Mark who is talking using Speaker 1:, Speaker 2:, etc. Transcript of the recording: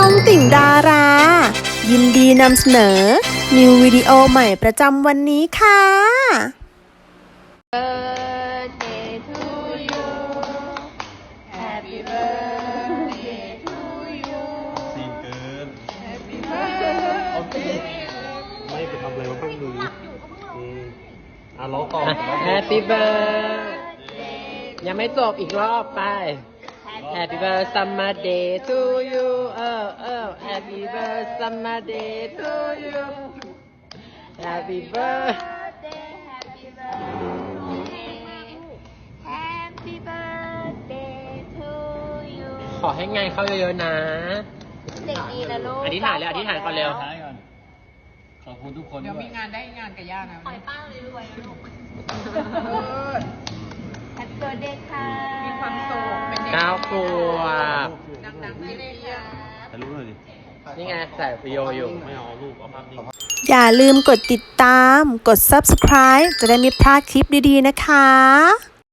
Speaker 1: องติ่งดารา ยินดีนำเสนอนิววิดีโอใหม่ประจำวันนี้ค่ะ
Speaker 2: birthday to you Happy birthday to you
Speaker 3: ซีนเกิน
Speaker 2: Happy birthday
Speaker 3: โอเคไม่ไปทำอะไรมาบ้างดูร้องต่อ
Speaker 4: Happy birthday ยังไม่จบอีกรอบไป Happy birthday summer day to you Happy birthday summer day to you Happy birthday
Speaker 2: Happy birthday Happy birthday to you
Speaker 4: ขอให้งานเข้าเยอะๆนะ
Speaker 2: เด็กดีนะลูก
Speaker 4: อธิษฐานเลยอธิษฐานก่อนเร็ว
Speaker 3: ท้ายก่อน ขอบคุณทุกคน
Speaker 5: เดี๋ยวมีงานได้งานกับย่านะ
Speaker 2: ปล่อยป้าเลยรวยนะลูก Happy birthday ค่ะ
Speaker 5: มีความสุขเป็นเด็ก
Speaker 4: 9 ขวบ
Speaker 5: ดังๆเรียบ
Speaker 3: ถ่ายรูปหน่อยดิ
Speaker 4: นี่ไงใส่วิดีโออยู่
Speaker 3: ไม่เอารูปเอาภาพนิ่ง
Speaker 1: อย่าลืมกดติดตาม กด subscribe จะได้ไม่พลาดคลิปดีๆนะคะ